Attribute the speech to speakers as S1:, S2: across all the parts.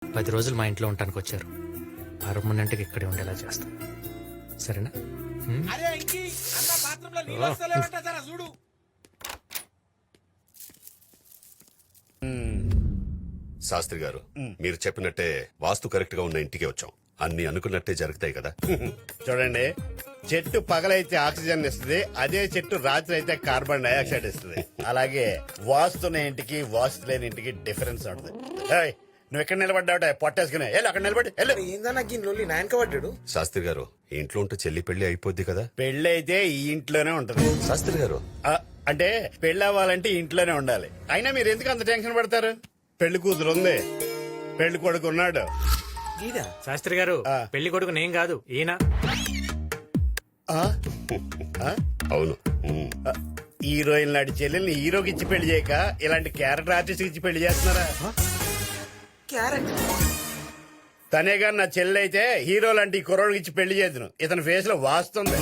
S1: 10 రోజులు మా ఇంట్లో ఉండటానికి వచ్చారు. పర్మనెంట్గా ఇక్కడే ఉండేలా చేస్తాం. సరేనా?
S2: చూడు.
S3: శాస్త్రి గారు, మీరు చెప్పినట్టే వాస్తు కరెక్ట్ గా ఉన్న ఇంటికి వచ్చాం. అన్ని అనుకున్నట్టే జరుగుతాయి కదా.
S2: చూడండి, చెట్టు పగలైతే ఆక్సిజన్ ఇస్తుంది, అదే చెట్టు రాత్రి అయితే కార్బన్ డైఆక్సైడ్ ఇస్తుంది. అలాగే వాస్తున్న ఇంటికి వాస్తు లేని ఇంటికి డిఫరెన్స్ ఉంటుంది. ఏయ్, నువ్వు ఎక్కడ నిలబడ్డావుట పొట్టేసుకునే అక్కడ నిలబడి
S4: ఏందన్నా గిన్నెలు నాయనక పడ్డాడు.
S3: శాస్త్రి గారు, ఇంట్లో ఉంటే చెల్లి పెళ్లి అయిపోద్ది కదా.
S2: పెళ్లి అయితే ఈ ఇంట్లోనే ఉంటది.
S3: శాస్త్రి గారు,
S2: అంటే పెళ్లి అవ్వాలంటే ఇంట్లోనే ఉండాలి. అయినా మీరు ఎందుకు అంత టెన్షన్ పడతారు? పెళ్లి కూతురు ఉంది, పెళ్లి కొడుకు ఉన్నాడు.
S1: శాస్త్రి గారు, పెళ్లి కొడుకు నేను కాదు, ఈయన.
S3: అవును.
S2: హీరోయిన్ లాంటి చెల్లెల్ని హీరోకి ఇచ్చి పెళ్లి చేయక ఇలాంటి క్యారెక్టర్ ఆర్టిస్ట్ ఇచ్చి పెళ్లి చేస్తున్నారా? తనే గారు నా చెల్లి అయితే హీరో లాంటి కుర్రోడికి ఇచ్చి పెళ్లి చేద్దును. ఇతని ఫేస్ లో వాస్తుంది.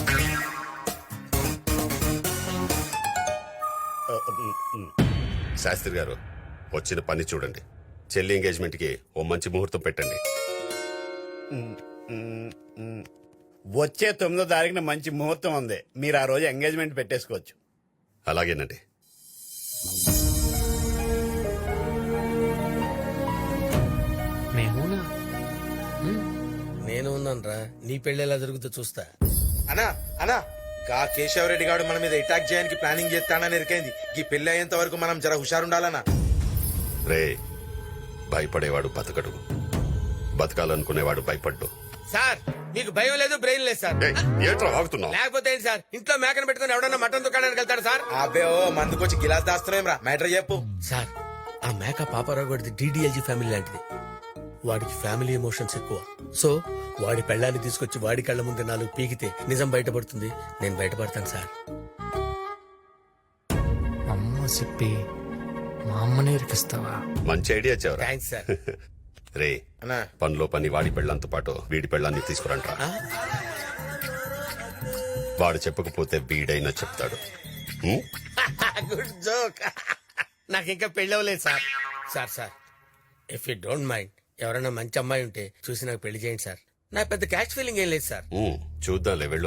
S3: శాస్త్రి గారు, వచ్చిన పని చూడండి. చెల్లి ఎంగేజ్మెంట్ కి ఓ మంచి ముహూర్తం పెట్టండి.
S2: వచ్చే 9వ తారీఖున మంచి ముహూర్తం ఉంది. మీరు ఆ రోజు ఎంగేజ్మెంట్ పెట్టేసుకోవచ్చు.
S3: అలాగేనండి.
S1: మేమునా?
S4: నేను ఉన్నానరా, నీ పెళ్లి ఎలా జరుగుతుందో చూస్తా. అనా అనా గా కేశవరెడ్డి గారు మన మీద అటాక్ చేయడానికి ప్లానింగ్ చేస్తానని ఎరికైంది. ఈ పెళ్లి అయ్యేంత వరకు మనం జర హుషారుండాలనా.
S3: రే, భయపడేవాడు బతకడు, బతకాలనుకునేవాడు భయపడ్డు.
S4: సార్, మీకు భయం లేదు, బ్రెయిన్ లేదు సార్.
S3: ఏంట్రా వాగుతున్నావు?
S4: లేకపోతే ఏంటి సార్, ఇంట్లో మేకను పెట్టుకుని ఎవడన్నా మటన్ దుకాణానికి వెళ్తాడు సార్? అబ్బే, ఓ మందుకొచ్చి గిలాస్ దాస్తున్నాం రా. మ్యాటర్ చెప్పు సార్. ఆ మేక పాపారావు గారిది DDLG ఫ్యామిలీ లాంటిది. వాడికి ఫ్యామిలీ ఎమోషన్స్ ఎక్కువ. సో వాడి పెళ్ళాన్ని తీసుకొచ్చి వాడి కళ్ళ ముందు 4 పీకితే నిజం బయటపడుతుంది. నేను బయటపడతాను సార్.
S1: అమ్మ సిప్పి, మా అమ్మనే ఇరికిస్తావా?
S3: మంచి ఐడియా చెవరా.
S4: Thanks sir.
S3: రే,
S4: అన్నా
S3: పనిలో పని వాడి పెళ్ళంతో పాటు వీడి పెళ్ళాన్ని తీసుకురంట్రా. వాడు చెప్పకపోతే వీడైనా చెప్తాడు.
S4: Good joke. నాకు ఇంకా పెళ్ళవలేదు sir. Sir sir, if you don't mind, ఎవరైనా మంచి అమ్మాయి ఉంటే చూసి నాకు పెళ్లి చేయండి సార్. నా పెద్ద క్యాష్ ఫీలింగ్ ఏం లేదు సార్.
S3: చూద్దాంలే, వెళ్ళు.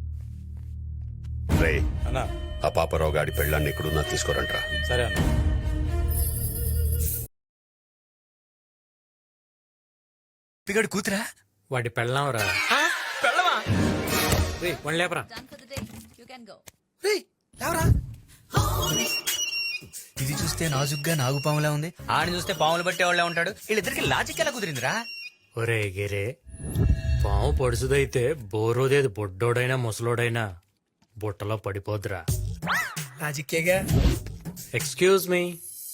S3: రే, ఆ పాపరావు గాడి పెళ్ళాన్ని ఎక్కడున్నా తీసుకురంట్రా.
S5: సరే అన్న.
S6: పిగడు కూతురా?
S1: వాడి పెళ్ళాంరా.
S4: పెళ్ళవా?
S1: వన్ లేపరా.
S6: ఇది చూస్తే నాజుగ్గా నాగుపాములా ఉంది, ఆడిని చూస్తే పాములు పట్టేవాళ్ళ ఉంటాడు. వీళ్ళిద్దరికి లాజిక్ ఎలా కుదిరిందిరా?
S1: ఒరే గిరే, పాము పొడుసుదైతే బోరోదేది బొడ్డోడైనా ముసలోడైనా బుట్టలో పడిపోద్దురా.
S6: లాజిక్కేగా.
S1: ఎక్స్క్యూజ్ మీ,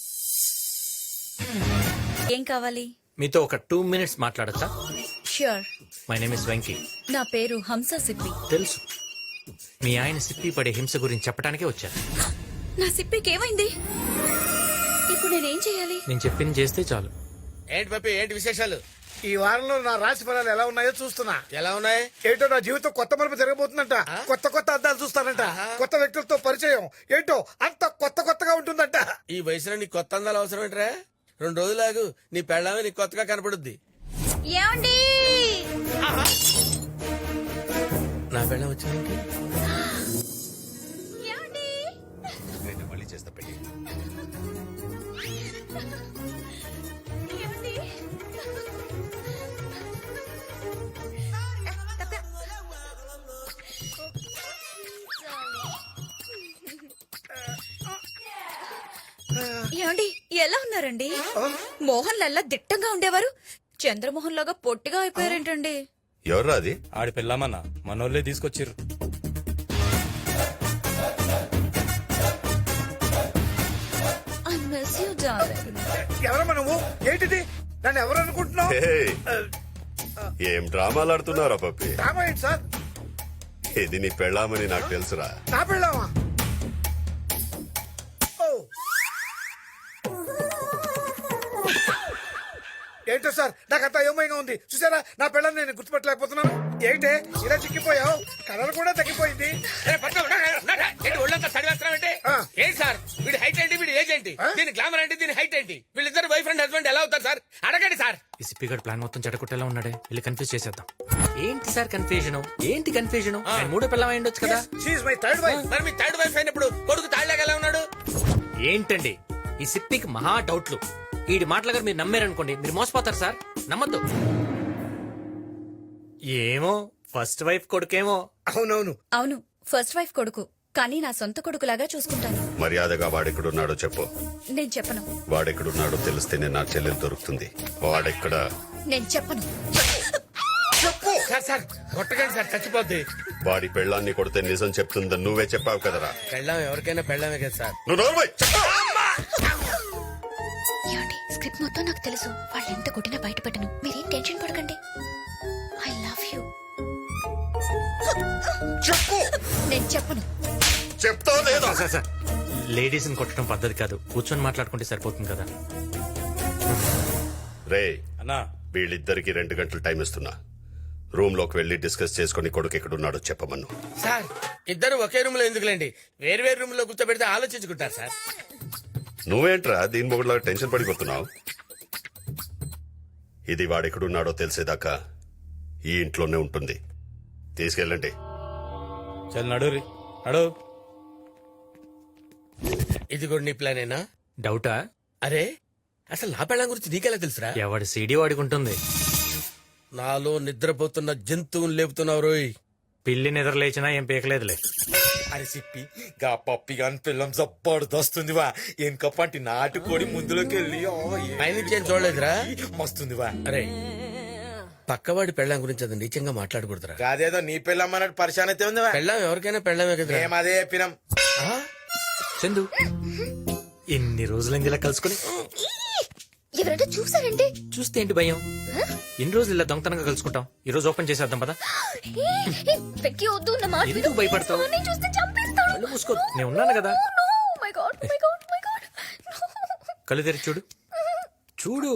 S7: ఏం కావాలి?
S1: మీతో ఒక 2 minutes మాట్లాడచ్చా?
S7: Sure.
S1: My name is Venky.
S7: నా పేరు హంస సిప్పి.
S1: తెలుసు, మీ ఆయన సిప్పి పడే హింస గురించి చెప్పడానికే వచ్చాను.
S7: నా సిప్పికి ఏమైంది? ఇప్పుడు నేనేం చేయాలి?
S1: నేను చెప్పింది చేస్తే చాలు.
S4: ఏంటి పప్పి, ఏంటి విశేషాలు?
S8: ఈ వారంలో నా రాశి ఫలాలు ఎలా ఉన్నాయో చూస్తున్నా.
S4: ఎలా ఉన్నాయి?
S8: ఏంటో నా జీవితం కొత్త మలుపు జరగబోతుందంట. కొత్త కొత్త అద్దాలు చూస్తానంట. కొత్త వ్యక్తులతో పరిచయం. ఏంటో అంత కొత్త కొత్తగా ఉంటుందంట.
S4: ఈ వయసులో నీ కొత్త అందాలు అవసరం ఏంట్రా? 2 రోజులాగు, నీ పెళ్ళామే నీకు కొత్తగా కనపడుద్ది.
S7: ఏమండి?
S4: నా పెళ్ళం వచ్చిందేంటి?
S7: ఏమండి?
S3: మళ్ళీ చేస్తా పెళ్ళి.
S7: ఏమండి? ఏమండి, ఎలా ఉన్నారండి? మోహన్ లల్లా దిట్టంగా ఉండేవారు, చంద్రమోహన్ లాగా పొట్టిగా అయిపోయారేంటండి?
S3: ఎవర్రా అది?
S5: ఆడి పెళ్ళామన్నా, మనోళ్ళే తీసుకొచ్చిర్రు.
S7: I miss you darling.
S8: ఎవరమ్మా నువ్వు? ఏంటిది? నన్ను ఎవరు అనుకుంటున్నావు?
S3: ఏం డ్రామాలు ఆడుతున్నారా పప్పి?
S8: డ్రామా ఏంటి సార్?
S3: ఇది నీ పెళ్ళామని నాకు తెలుసురా.
S8: నా పెళ్ళామా? ఏంటి ఏంటో సార్ నాకంతా అయోమయంగా ఉంది. చూసారా నా పిల్లల్ని నేను గుర్తుపట్టలేకపోతున్నాను. ఏంటే ఇలా చిక్కిపోయావు? కలర్ కూడా తగ్గిపోయింది.
S4: ఒళ్ళంతా చదివేస్తున్నామంటే
S8: ఆ.
S4: ఏంటి సార్ వీడి హైట్ ఏంటి వీడి ఏజ్ ఏంటి దీని గ్లామర్ ఏంటి దీని హైట్ ఏంటి వీళ్ళిద్దరు బాయ్ ఫ్రెండ్ హస్బెండ్ ఎలా అవుతారు సార్ అడగండి సార్.
S1: ఈ సిప్పి గడ్ ప్లాన్ మొత్తం చెడగొట్టేలా ఉన్నాడే, వెళ్ళి కన్ఫ్యూజ్ చేసేద్దాం. ఏంటి సార్ కన్ఫ్యూజన్? ఏంటి కన్ఫ్యూజన్? మూడో పిల్లం అయి ఉండొచ్చు కదా.
S8: She's my third wife.
S4: మరి మీ థర్డ్ వైఫ్ అయినప్పుడు కొడుకు తాళ్ళగా ఎలా ఉన్నాడు?
S1: ఏంటండి ఈ సిప్పికి మహా డౌట్లు. వీడి మాటల గారు మీరు నమ్మారనుకోండి, మీరు మోసపోతారు సార్. నమ్మద్దు. ఏమో ఫస్ట్ వైఫ్ కొడుకేమో.
S8: అవునవును.
S7: అవును, ఫస్ట్ వైఫ్ కొడుకు, కానీ నా సొంత కొడుకులాగా చూసుకుంటాను.
S3: మర్యాదగా వాడెక్కడున్నాడో చెప్పు.
S7: నేను చెప్పను.
S3: వాడెక్కడున్నాడో తెలిస్తేనే నా చెల్లెలు దొరుకుతుంది. వాడెక్కడ?
S7: నేను చెప్పను.
S4: సార్ సార్ కొట్టకండి సార్ చచ్చిపోద్ది.
S3: వాడి పెళ్ళాన్ని కొడితే నిజం చెప్తుందని నువ్వే చెప్పావు కదరా.
S4: పెళ్ళాం ఎవరికైనా పెళ్ళామే కదా సార్.
S3: నువ్వు నోర్మై.
S7: ఏమండి, స్క్రిప్ట్ మొత్తం నాకు తెలుసు. వాళ్ళు ఎంత కొట్టినా బయటపెట్టను. మీరేం టెన్షన్ పడకండి. I love you.
S3: చెప్పు.
S7: నేను చెప్పను.
S3: చెప్తావు లేదా?
S1: సార్ లేడీస్ ని కొట్టడం పద్ధతి కాదు, కూర్చొని మాట్లాడుకుంటే సరిపోతుంది కదా.
S3: రే
S5: అన్నా
S3: వీళ్ళిద్దరికి 2 గంటలు టైం ఇస్తున్నా. రూమ్ లోకి వెళ్లి డిస్కస్ చేసుకుని కొడుకు ఎక్కడున్నాడో చెప్పమను.
S4: సార్ ఇద్దరు ఒకే రూమ్ లో ఎందుకులేండి, వేరు వేరు రూమ్ లో కూర్చోబెడితే ఆలోచించుకుంటారు సార్.
S3: నువ్వేంట్రా దీని మొగుడులా టెన్షన్ పడిపోతున్నావు? ఇది వాడెక్కడున్నాడో తెలిసేదాకా ఈ ఇంట్లోనే ఉంటుంది. తీసుకెళ్ళండి.
S5: చల్ నడు రీ నడు.
S4: ఇది కూడా నీ ప్లానేనా?
S1: డౌటా?
S4: అరే అసలు నా పెళ్ళం గురించి నీకెలా తెలుసురా?
S1: ఎవడి సీడీ వాడికి ఉంటుంది.
S4: నాలో నిద్రపోతున్న జంతువుని లేపుతున్నావు రోయ్.
S1: పిల్లి నిద్ర లేచినా ఏం పీకలేదులే.
S9: అని చెప్పి గా పప్పి గాని పిల్లం జబ్బర్దొస్తుంది వా. ఎనకప్పంటి నాటుకోడి ముందులోకి వెళ్ళి
S4: పైనుంచి ఏం చూడలేదురా?
S9: మస్తుంది వా.
S4: అరే పక్కవాడి పెళ్ళం గురించి అది నీచంగా మాట్లాడకూడదురా.
S9: కాదేదో నీ పిల్లం అన్నట్టు పరిశాన్ అయితే ఉంది వా.
S4: పెళ్ళం ఎవరికైనా పెళ్ళమే కదా.
S9: మేము అదే చెప్పినాం.
S1: చందు ఎన్ని రోజులైంది ఇలా కలుసుకుని.
S7: ఎవరైనా చూసారండి?
S1: చూస్తే ఏంటి భయం? ఎన్ని రోజులు ఇలా దొంగతనంగా కలుసుకుంటాం. ఈ రోజు ఓపెన్ చేసేద్దాం పదా.
S7: వెక్కి వద్దు నా మాట విను.
S1: ఎందుకు భయపడతావు?
S7: నేను చూస్తే చంపేస్తాను.
S1: కళ్ళు మూసుకో, నేను ఉన్నాను కదా.
S7: No, my God, my God, my God. No.
S1: కళ్ళు తెరిచి చూడు. చూడు.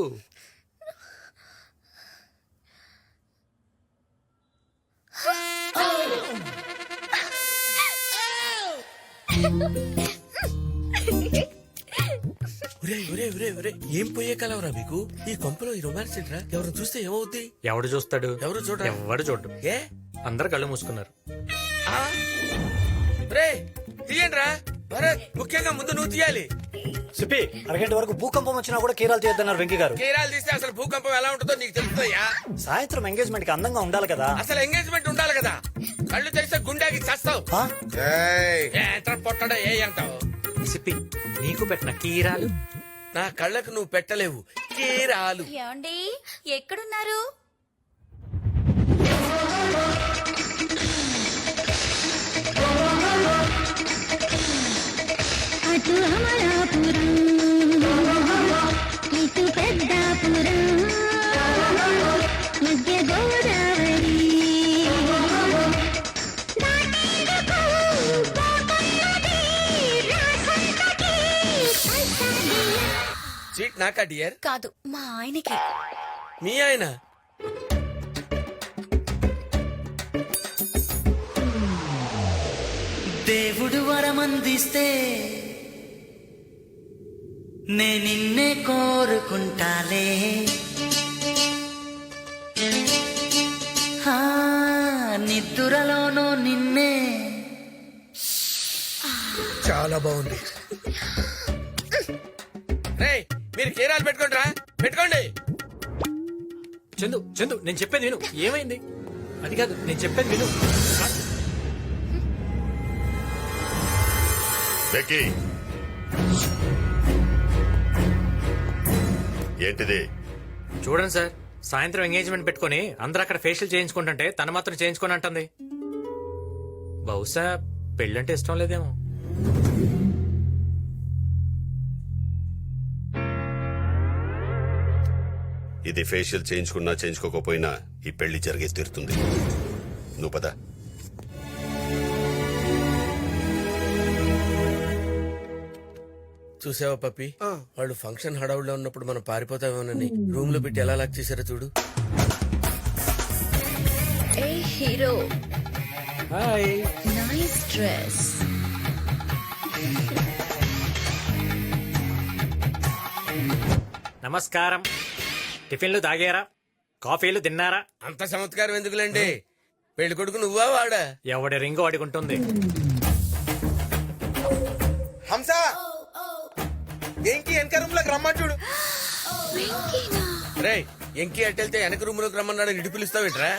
S4: ఒరే ఒరే ఒరే ఒరే ఏం పోయే కలవరా మీకు? ఈ కొంపలో ఈ రొమాన్స్ ఏంట్రా? ఎవరు చూస్తే ఏమవుద్ది?
S1: ఎవడు చూస్తాడు?
S4: ఎవరు చూడరా?
S1: ఎవడు చూడు.
S4: ఏ
S1: అందరు కళ్ళు మూసుకున్నారు.
S4: రే తీయండిరా. భరత్ ముఖ్యంగా ముందు నువ్వు తీయాలి.
S10: సిప్పి అరగంట వరకు భూకంపం వచ్చినా కూడా కీరాలు చేయొద్దన్నారు వెంకీ గారు.
S4: కేరాలు తీస్తే అసలు భూకంపం ఎలా ఉంటుందో నీకు తెలుస్తుందయ్యా.
S10: సాయంత్రం ఎంగేజ్మెంట్ కి అందంగా ఉండాలి కదా.
S4: అసలు ఎంగేజ్మెంట్ ఉండాలి కదా. కళ్ళు తెరిస్తే గుండెకి చస్తావు.
S10: ఆ?
S4: ఎంత పొట్టడా ఏ అంటావు?
S1: సిప్పి నీకు పెట్టిన కీరాలు
S4: నా కళ్ళకు నువ్వు పెట్టలేవు కీరాలు.
S7: ఏమండి ఎక్కడున్నారు?
S11: అటు అమలాపురం ఇటు పెద్దాపురం మధ్య గోదావరి
S4: సీట్ నాకా డియర్?
S7: కాదు, మా ఆయనకి.
S4: మీ ఆయన?
S6: దేవుడు వరమందిస్తే నే నిన్నే కోరుకుంటాలే. ఆ, నిద్దురలోనూ నిన్నే.
S8: చాలా బాగుంది.
S4: రే మీరు కీరాలు పెట్టుకోండి రా, పెట్టుకోండి.
S1: చందు చందు నేను చెప్పేది విను. ఏమైంది? అది కాదు, నేను చెప్పేది విను.
S3: బెక్కీ, ఏంటిది?
S1: చూడండి సార్, సాయంత్రం ఎంగేజ్మెంట్ పెట్టుకుని అందరూ అక్కడ ఫేషియల్ చేయించుకుంటుంటే తను మాత్రం చేయించుకొని అంటుంది. బహుశా పెళ్ళంటే ఇష్టం లేదేమో.
S3: ఇది ఫేషియల్ చేయించుకున్నా చేయించుకోకపోయినా ఈ పెళ్లి జరిగే తీరుతుంది. నువ్వు పద.
S4: చూసావా పప్పి వాళ్ళు ఫంక్షన్ హడావుడిలో ఉన్నప్పుడు మనం పారిపోతామేమోనని రూమ్ లో పెట్టి ఎలా లాక్ చేశారో చూడు.
S7: ఏ హీరో
S1: హాయ్
S7: నైస్ డ్రెస్.
S1: నమస్కారం. టిఫిన్లు తాగారా? కాఫీలు తిన్నారా?
S4: అంత చమత్కారం ఎందుకులేండి, పెళ్లి కొడుకు నువ్వా వాడా?
S1: ఎవడి రింగు అడుగుంటుంది.
S9: హంస ఏంటి వెనక రూమ్ లోకి రమ్మని చూడు.
S4: రేయ్ ఎంకి అట్టెళ్తే వెనక రూమ్ లోకి రమ్మన్నాడు, ఇటు పిలుస్తావేట్రా?